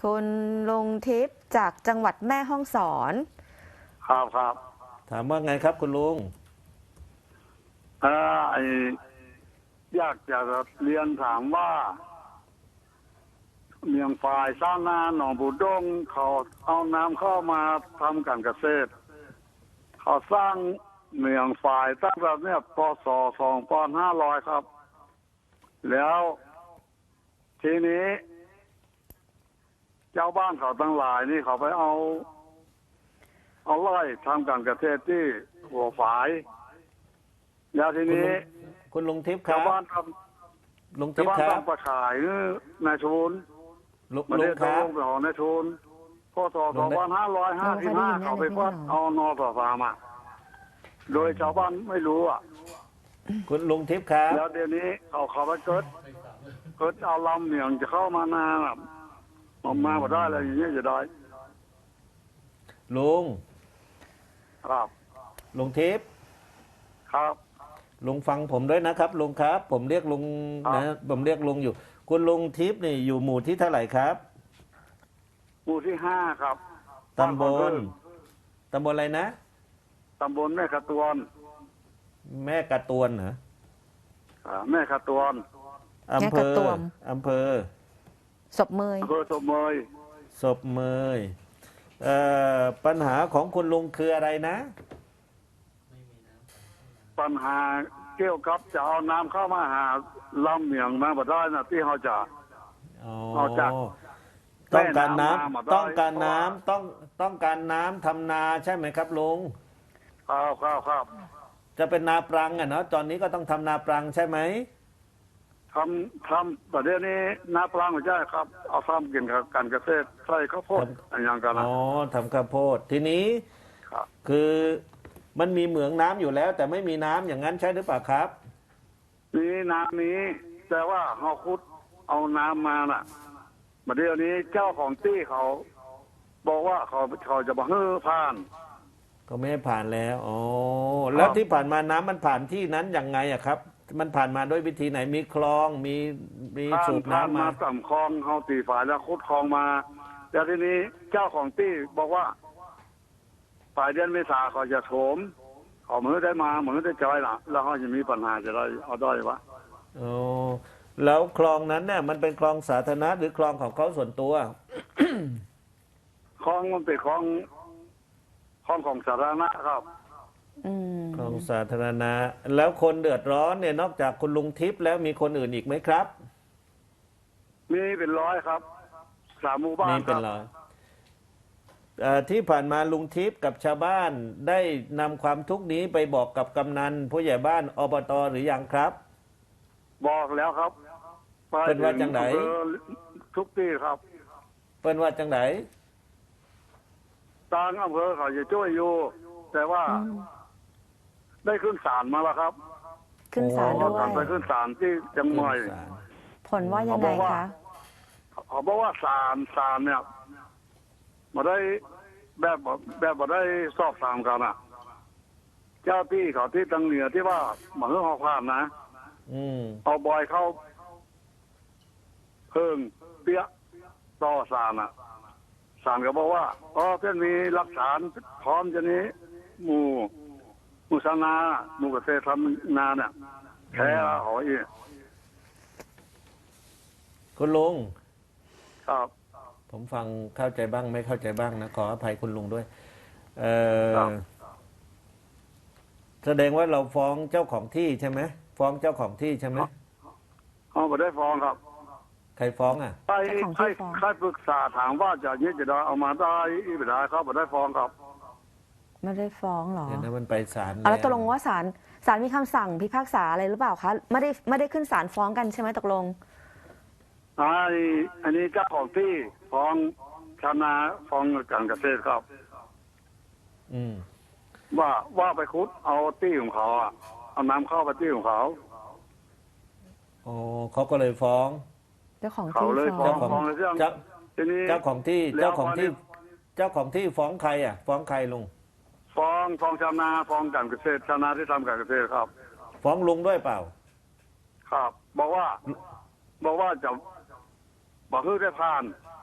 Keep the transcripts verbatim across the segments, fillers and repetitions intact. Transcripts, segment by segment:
คุณลุงทิพย์จากจังหวัดแม่ฮ่องสอนครับครับถามว่าไงครับคุณลุงเออไออยากจะเรียนถามว่าเมียงฝ่ายสร้างนาหนองบูดงเขาเอาน้ำเข้ามาทำการเกษตรเขาสร้างเมียงฝ่ายตั้งแต่เนี่ยพศสองพันห้าร้อยครับแล้วทีนี้เจ้าบ้านเขาทั้งหลายนี่เขาไปเอาเอาไร่ทำการเกษตรที่หัวฝายแล้วทีนี้คุณลุงทิพย์ครัชาวบบ้านทลุงำทิชาวพย์บ้านครับทำประขายนายทุนลุงมาลุเรีงยกคตัวรับลงไปของนายทุนพศสองพันห้าร้อยห้าสิบห้าเขาไปพัดเอานอต่อสามอ่ะโดยชาวบ้านไม่รู้อ่ะคุณลุงทิพย์ครับแล้วเดี๋ยวนี้เขาเขาไปเกิดเกิดเอาลำเหนียงจะเข้ามานาแบบออกมาบ่ได้อะไรอย่างเงี้ยจะได้ลุงครับลุงทิพย์ครับลุงฟังผมด้วยนะครับลุงครับ ผมเรียกลุงครับนะผมเรียกลุงอยู่ คุณลุงทิพย์นี่อยู่หมู่ที่เท่าไหร่ครับหมู่ที่ห้าครับตำบลตำบลอะไรนะตำบลแม่ขะตวนแม่กระตวนเหรออ่าแม่ขะตวนอำเภแม่กระอตวมอำเภอศพเมยอำเภอสมเมยศพเมยเอ่อปัญหาของคุณลุงคืออะไรนะปัญหาเกี่ยวกับจะเอาน้ำเข้ามาหาลำเหนียงมาบ่ได้นะที่เขาจะอ๋อเอาจากต้องการน้แม่น้ำมาได้ำต้องการน้เพราะว่าำต้องต้องการน้ำทำนาใช่ไหมครับลุงครับครับครับจะเป็นนาปรังอ่ะเนาะตอนนี้ก็ต้องทำนาปรังใช่ไหมทำทำประเดี๋ยวนี้น้ำปลาไม่ใช่ครับ เอาทำกินกับการเกษตรใส่ข้าวโพดอะไรอย่างกันนะอ๋อทำข้าวโพดทีนี้ครับคือมันมีเหมืองน้ำอยู่แล้ว แต่ไม่มีน้ำอย่างนั้นใช่หรือเปล่าครับนี่น้ำนี้ แต่ว่าเขาคุดเอาน้ำมาน่ะประเดี๋ยวนี้เจ้าของที่เขา บอกว่าเขาเขาจะมาเฮ้อผ่านก็ไม่ให้ผ่านแล้วอ๋อแล้วที่ผ่านมาน้ำมันผ่านที่นั้นยังไงอะครับ มันผ่านมาด้วยวิธีไหนมีคลองมีมีผ่านสูบผ่านน้ำมามาต่ำคลองเขาตีฝ่ายแล้วคุดคลองมาแล้วทีนี้เจ้าของที่บอกว่าฝ่ายเดือนเมษาเขาจะโถมเขามือได้มามือได้จอยล่ะ แล้วเขาจะมีปัญหาจะได้เอาได้วะอ๋อแล้วคลองนั้นเนี่ยมันเป็นคลองสาธารณะหรือคลองของเขาส่วนตัวคลองมันเป็นคลองคลองของสาธารณะครับอืมคลองสาธารณะแล้วคนเดือดร้อนเนี่ยนอกจากคุณลุงทิพย์แล้วมีคนอื่นอีกไหมครับมีเป็นร้อยครับสามหมู่บ้านมีคเป็นรับร้อยเอ่อที่ผ่านมาลุงทิพย์กับชาวบ้านได้นำความทุกข์นี้ไปบอกกับกำนันผู้ใหญ่บ้านอบตหรือยังครับบอกแล้วครับไปเป็นว่าจังไหนอำเภอทุกที่ครับเปิ้นว่าจังไหนทางอำเภอเขาจะช่วยอยู่ แต่ว่าอืมได้ขึ้นศาลมาแล้วครับขึ้นศาลโอ้ด้วกลับไปยขึ้นศาลที่จังหวัดผลว่ายังไงคะเขาบอกว่าศาลศาลเนี่ยมาได้แบบแบบมาได้สอบถามกันอ่ะ เจ้าที่เขาที่ตังเหนือที่ว่ามาเฮือหอผ่านนะอืมเอาบอยเข้าเพิ่งเปี้ยต่อศาลอ่ะศาลก็บอกว่าอ๋อเพื่อนมีหลักฐานพร้อมจะนี้ หมู่หมู่ชาวนาหมู่เกษตรทำนาเนี่ยแพ้ละหอยคุณลุงครับผมฟังเข้าใจบ้างไม่เข้าใจบ้างนะขออภัยคุณลุงด้วย เอครัอบ แสดงว่าเราฟ้องเจ้าของที่ใช่ไหมฟ้องเจ้าของที่ใช่ไหมเขาไม่ได้ฟ้องครับใครฟ้องอ่ะใครเจ้าของใครที่ฟ้องใครปรึกษาถามว่าจะยึดจะได้เอามาได้อีกไม่ได้ครับไม่ได้ฟ้องครับไม่ได้ฟ้องเหรอเดี๋ยวนั้นมันไปศาลเอาแล้วตกลงว่าศาลศาลมีคำสั่งพิพากษาอะไรหรือเปล่าคะไม่ได้ไม่ได้ขึ้นศาลฟ้องกันใช่ไหมตกลงไอ้อันนี้เจ้าของที่ฟ้องชาวนาฟ้องการเกษตรครับอืมว่าว่าไปคุดเอาที่ของเขาอะเอาน้ำเข้าไปที่ของเขาอ๋อเขาก็เลยฟ้องเจ้าของเขาที่เลยฟ้ฟ้อองงฟ้องในเรื่องเจ้าทีนี้เจ้าของที่แล้วเจ้าของที่พอนี้เจ้าของที่ฟ้องใครอ่ะ ฟ้องใครลุงฟ้องฟ้องชาวนาฟ้องการเกษตรชาวนาที่ทำการเกษตรครับฟ้องลุงด้วยเปล่าครับ บอกว่า บอกว่าจะบอกให้ได้ผ่าน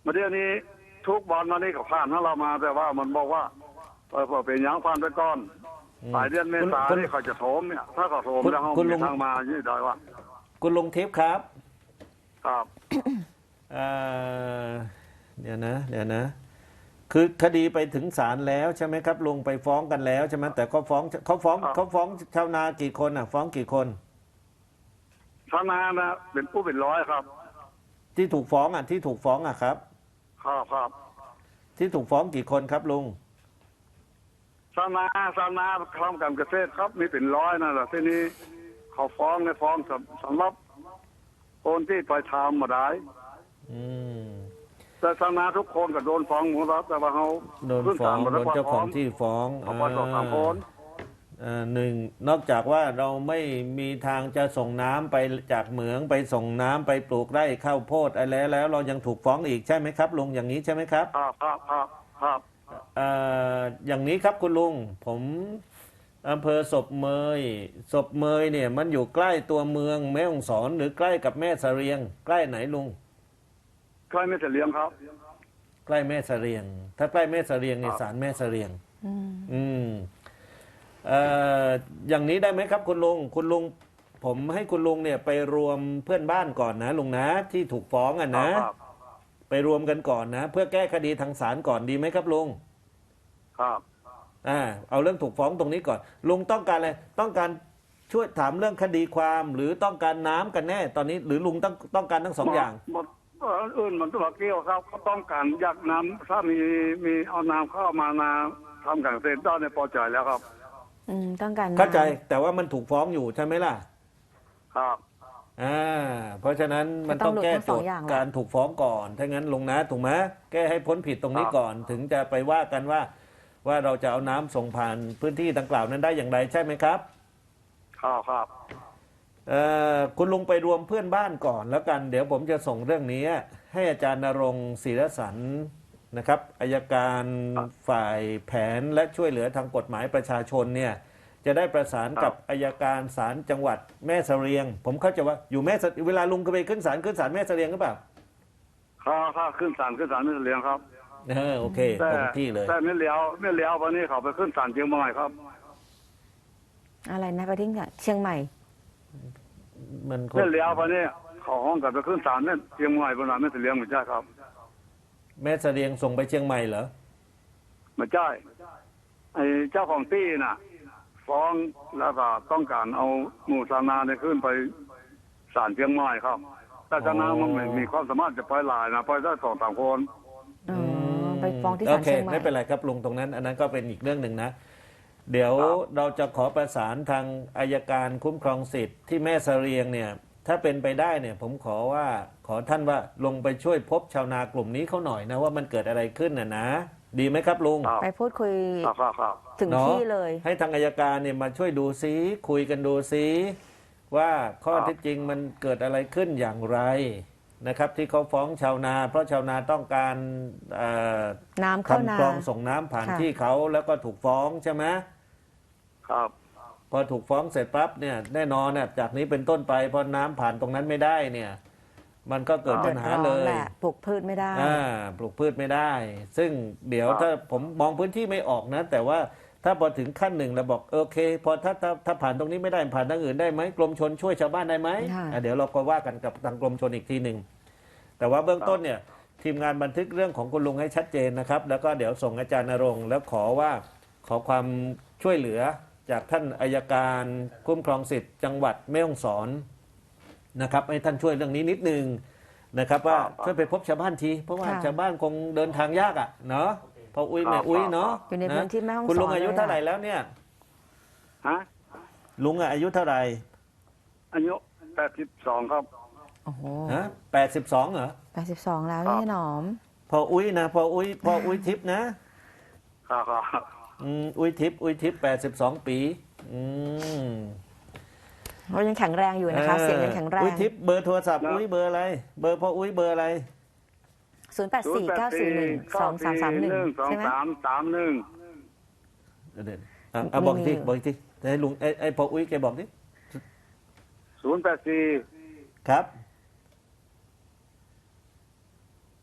มาเดี๋ยวนี้ทุกบอลมานี่เขาผ่านให้เรามา แต่ว่ามันบอกว่าเออพอเป็นหยังผ่านไปก่อนอืมปลายเดือนเมษาคุณนี่เขาจะโถมเนี่ย ถ้าเขาโถมคุณแล้วเขาคุณลุมีงทางมายี่ได้ว่าคุณลุงทิพย์ครับครับเอ่อเดี๋ยวนะเดี๋ยวนะ คือคดีไปถึงศาลแล้วใช่ไหมครับลุงไปฟ้องกันแล้วใช่ไหมแต่เขาฟ้องเขาฟ้องครับเขาฟ้องชาวนากี่คนอ่ะ ฟ้องกี่คนชาวนานะเป็นผู้เป็นร้อยครับที่ถูกฟ้องอ่ะที่ถูกฟ้องอ่ะครับครับครับที่ถูกฟ้องกี่คนครับลุงชาวนาชาวนาทำการเกษตรครับมีเป็นร้อยนั่นแหละที่นี้เขาฟ้องในฟ้องสำสำหรับคนที่ไปทำมาได้อืมแต่ชาวนาทุกคนก็โดนฟ้องหมดแล้วแต่ว่าเขาโดนขึ้ฟ้องศลหมดโดแล้วนเจ้าของที่ฟ้องเขาไปสอบสามคนเอ่อหนึ่งนอกจากว่าเราไม่มีทางจะส่งน้ำไปจากเหมืองไปส่งน้ำไปปลูกไร่ข้าวโพดอะไรแล้ว เรายังถูกฟ้องอีกใช่ไหมครับลุงอย่างนี้ใช่ไหมครับครับครับครับครับเอ่ออย่างนี้ครับคุณลุงผมอำเภอศพเมยศพเมยเนี่ยมันอยู่ใกล้ตัวเมืองแม่ฮ่องสอนหรือใกล้กับแม่เสรียง ใกล้ไหนลุงใครไม่จะเลี้ยงครับใกล้แม่เสรียง ถ้าใกล้แม่เสรียงเนี่ยครับศาลแม่เสรียงอืมอืมเอ่ออย่างนี้ได้ไหมครับคุณลุงคุณลุงผมให้คุณลุงเนี่ยไปรวมเพื่อนบ้านก่อนนะลุงนะที่ถูกฟ้องอ่ะนะครับไปรวมกันก่อนนะ เพื่อแก้คดีทางศาลก่อนดีไหมครับลุงครับอ่าเอาเรื่องถูกฟ้องตรงนี้ก่อนลุงต้องการอะไรต้องการช่วยถามเรื่องคดีความหรือต้องการน้ำกันแน่ตอนนี้ หรือลุงต้องต้องการทั้งสองอย่างหมดเอ่ออื่นมันตัวเกี่ยวครับเขาต้องการอยากน้ำถ้ามีมีเอาน้ำเข้ามานาทำการเกษตรได้ในพอใจแล้วครับอืมต้องการเข้าใจน้แต่ว่ามันถูกฟ้องอยู่ใช่ไหมล่ะครับอ่าเพราะฉะนั้นมันต้องแก้โจทย์การถูกฟ้องก่อนถ้างั้นลงนะถูกไหมแก้ให้พ้นผิดตรงนี้ก่อน ถึงจะไปว่ากันว่า ว่าเราจะเอาน้ำส่งผ่านพื้นที่ดังกล่าวนั้นได้อย่างไรใช่ไหมครับครับครับเอ่อคุณลุงไปรวมเพื่อนบ้านก่อนแล้วกัน เดี๋ยวผมจะส่งเรื่องนี้ให้อาจารย์ณรงค์ศิรสันนะครับอายการฝ่ายแผนและช่วยเหลือทางกฎหมายประชาชนเนี่ยจะได้ประสานกับอายการศาลจังหวัดแม่เสรียง ผมเข้าใจว่าอยู่แม่เสเวลาลุงก็ไปขึ้นศาลขึ้นศาลแม่เสรียงหรือเปล่าครับครับขึ้นศาลขึ้นศาลไม่เลี้ยงครับเออโอเคแต่ตรงที่เลยแต่ไม่เลี้ยวไม่เลี้ยววันนี้เขาไปขึ้นศาลเชียงใหม่ครับำอะไรนะไปที่เชียงใหม่มันคงไม่เลี้ยววันนี้เขาห้องกับไปขึ้นศาลเนี่ยเชียงใหม่บนนั้นไม่เลี้ยงไม่ใช่ครับแม่เสรียงส่งไปเชียงใหม่เหรอไม่ใช่ไอ้เจ้าของที่น่ะ ฟ้องแล้วก็ต้องการเอาหมู่ชาวนาเนี่ยขึ้นไปศาลเชียงใหม่ครับ แต่ชาวนามันไม่มีความสามารถจะไปหลายนะไปได้สองสามคนอ๋อไปฟ้องที่โอศาลเคเชียงใหม่ไม่เป็นไรครับลุงตรงนั้น อันนั้นก็เป็นอีกเรื่องหนึ่งนะ เดี๋ยวครับเราจะขอประสานทางอายการคุ้มครองสิทธิ์ที่แม่เสรียงเนี่ย ถ้าเป็นไปได้เนี่ย ผมขอว่าขอท่านว่าลงไปช่วยพบชาวนากลุ่มนี้เขาหน่อยนะว่ามันเกิดอะไรขึ้นน่ะนะ ดีไหมครับลุงครับไปพูดคุยครับครับครับถึงเนาะที่เลยให้ทางอายการเนี่ยมาช่วยดูซิคุยกันดูซิว่าข้อครับเท็จจริงมันเกิดอะไรขึ้นอย่างไรนะครับ ที่เขาฟ้องชาวนา เพราะชาวนาต้องการเอ่อน้ำเข้านาทำคลองส่งน้ำผ่านค่ะที่เขาแล้วก็ถูกฟ้องใช่ไหมครับพอถูกฟ้องเสร็จปั๊บเนี่ยแน่นอนเนี่ยจากนี้เป็นต้นไปพอน้ำผ่านตรงนั้นไม่ได้เนี่ย มันก็เกิดปัญหาเลดือดร้อนยแหละปลูกพืชไม่ได้อ่าปลูกพืชไม่ได้ ซึ่งเดี๋ยวครับถ้าผมมองพื้นที่ไม่ออกนะ แต่ว่าถ้าพอถึงขั้นหนึ่งเราบอกโอเค พอถ้าถ้าถ้าผ่านตรงนี้ไม่ได้ผ่านทางอื่นได้ไหมกรมชนช่วยชาวบ้านได้ไหมค่ะอ่ะเดี๋ยวเราก็ว่ากันกับทางกรมชนอีกทีหนึ่งแต่ว่าเบื้องต้นเนี่ยทีมงานบันทึกเรื่องของคุณลุงให้ชัดเจนนะครับ แล้วก็เดี๋ยวส่งอาจารย์ณรงค์แล้วขอว่าขอความช่วยเหลือจากท่านอายการคุ้มครองสิทธิ์จังหวัดแม่ฮ่องสอนนะครับให้ท่านช่วยเรื่องนี้นิดนึงนะครับ ว่าครับช่วยไปพบชาวบ้านที เพราะว่าค่ะชาวบ้านคงเดินทางยากอ่ะเนาะพออุ้ยแม่อุ้ยเนาะอยู่ในพื้นที่แม่ฮ่องสอนคุณลุงอายุเลยอะเท่าไหร่แล้วเนี่ยฮะลุงอะอายุเท่าไหร่อายุแปดสิบสองครับโอ้โหฮะแปดสิบสองเหรอแปดสิบสองแล้วครับนี่หนอมพออุ้ยนะพออุ้ยพออุ้ยทิพย์นะครับครับอืมอุ้ยทิพย์อุ้ยทิพย์แปดสิบสองปีอืมเรายังแข็งแรงอยู่นะคะ เสียงยังแข็งแรอุ้ยงทิพย์เบอร์โทรศัพท์อุ้ยเบอร์อะไร เบอร์พออุ้ยเบอร์อะไรศูนย์แปดสี่เก้าสี่หนึ่งสองสามสามหนึ่งสองใช่ไหมสามสามหนึ่งเดี๋ยวเดี๋ยวอ่ะอ่ะบอกอีกทีบอกอีกทีให้ลุงไอ้ไอ้พออุ้ยแกบอกดิศูนย์แปดสี่ครับ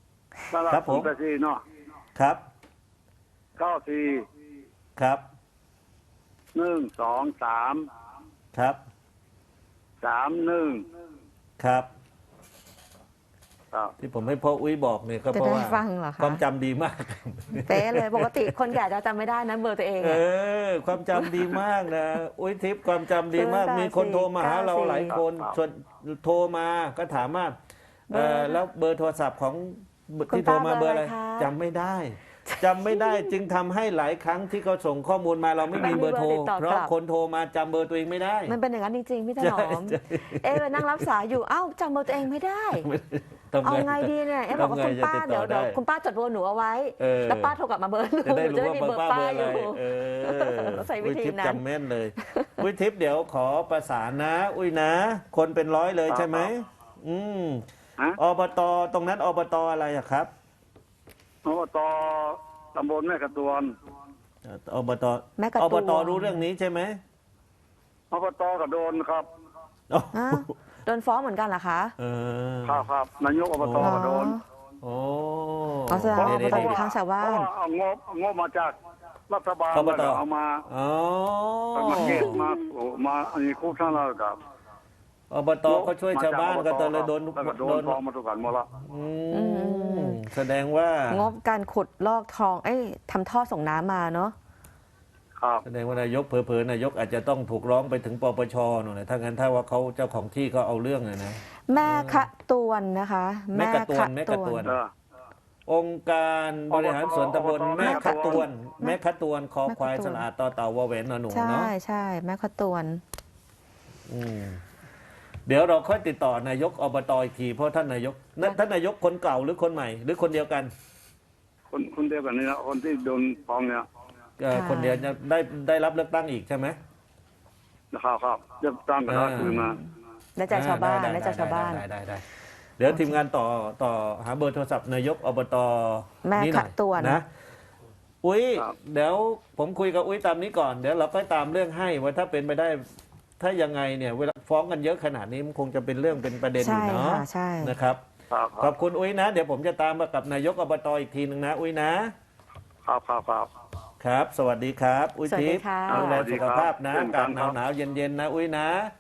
ตลาดครับผมศูนย์แปดสี่เนาะครับเก้าสี่ครับหนึ่งสองสามครับสามหนึ่งครับครับที่ผมให้พ่ออุ้ยบอกเนี่ยก็จะเพราะได้ว่าฟังเหรอคะความจำดีมากเป๊ะเลยปกติคนแก่จะจำไม่ได้นะเบอร์ตัวเองเออะอ ความจำดีมากนะ อุ้ยทิพย์ความจำดีมากศูนย์แปดมีคนโทรมาหาเราสี่หลายคนครับส่วนโทรมาก็ถามว่าเออเบอร์แล้วเบอร์โทรศัพท์ของคุณที่โทรมาป้าเบอร์อะไรเบอร์อะไรคะจำไม่ได้จำไม่ได้จึงทำให้หลายครั้งที่เขาส่งข้อมูลมาเราไม่มีเบอร์โทรไม่มีเบอร์ติดต่อกลับเพราะคนโทรมาจำเบอร์ตัวเองไม่ได้มันเป็นอย่างนั้นจริงๆพี่ถนอมใช่ใช่เอ๊ะไปนั่งรับสายอยู่เอ้าจำเบอร์ตัวเองไม่ได้ทำเอาไงดีเนี่ยเอ๊ะบอกว่าทำไงคุณป้าจะติดต่เดี๋อยวเดี๋ยวได้คุณป้าจดเบอร์หนูเอาไว้เออแล้วป้าโทรกลับมาเบอร์หนูจะได้รู้จะว่ามีเบอเบอร์ร์ป้าป้าเบอร์ออะไรยู่เออใส่วิธีอุ้ยทิพย์นั้นจำแม่นเลย อุ้ยทิพย์เดี๋ยวขอประสานนะ อุ้ยนะ คนเป็นร้อยเลยใช่ไหมอืมฮะอบตตรงนั้นอบตอะไรอะครับอบตตำบลแม่กระตวนอบตแม่กระอตับวตรู้เรื่องนี้ใช่ไหมอบตกระโดนครับอ๋ออ้าวโดนฟ้องเหมือนกันเหรอคะเออครับครับนายกอบตกระโดนโอ้อ๋อแสดงว่าเดี๋ยวอบตเดี๋ยวข้างชาวบ้านเพราะว่าเอางบเอางบมาจากรัฐบาลอบตแล้วก็เอามาอ๋อเอามาเก็บมาโอ้มาอันนี้คู่ท่านแล้วครับอบตก็ช่วยชาวบ้านก็ตอนเลยโดนแล้วก็โดโดนนฟ้องมาทุกกันหมดละอืมอืมแสดงว่างบการขุดลอกทอง เอ้ยทำท่อส่งน้ำมาเนาะครับแสดงว่านายกเผลอๆนายกอาจจะต้องถูกร้องไปถึงปปชหน่อยนะถ้างั้นถ้าว่าเขาเจ้าของที่เขาเอาเรื่องเลยนะแม่คะตวนนะคะแม่กระตวนแม่กระตวนเออองค์การบริหารส่วนตำบลอบตแม่ขะตวนแม่แม่ขะตวนคอแม่ขะควายตวนสละอาดต่อเต่าวอแหวนนอหนูใช่เนาะใช่แม่คะตวนอืมเดี๋ยวเราค่อยติดต่อนายกอบตอีกทีเพราะท่านนายกนั่นท่านนายกคนเก่าหรือคนใหม่ หรือคนเดียวกันคนคนเดียวกันนี่นะคนที่โดนฟ้องเนี่ยเอ่อค่ะคนเดียวจะได้ได้รับเลือกตั้งอีกใช่ไหมนะครับครับเริ่มตั้งกันแล้วคืนมาได้ใจชาวบ้านอ่ได้ใจชาวบ้านได้ได้ได้ได้เดี๋ยวทีมงานต่อต่อหาเบอร์โทรศัพท์นายกอบตแม่นี่หน่ขะอยตวนนะอุ้ยครับเดี๋ยวผมคุยกับอุ้ยตามนี้ก่อนเดี๋ยวเราก็ตามเรื่องให้ว่าถ้าเป็นไปได้ ถ้ายังไงเนี่ยเวลาฟ้องกันเยอะขนาดนี้มันคงจะเป็นเรื่องเป็นประเด็นอใช่ยู่เนาะค่ะใช่นะครับครับคขรัอบบคุณอุ้ยนะ เดี๋ยวผมจะตามมากับนายกอบตอีกทีหนึ่งนะอุ้ยนะครับครับครับครับ สวัสดีครับ อุ้ยสวัสดีทิพย์ค่ะดูแลสุขภาพนะเช่นอากักาศนหครันาวบหนาวๆเย็นๆนะอุ้ยนะ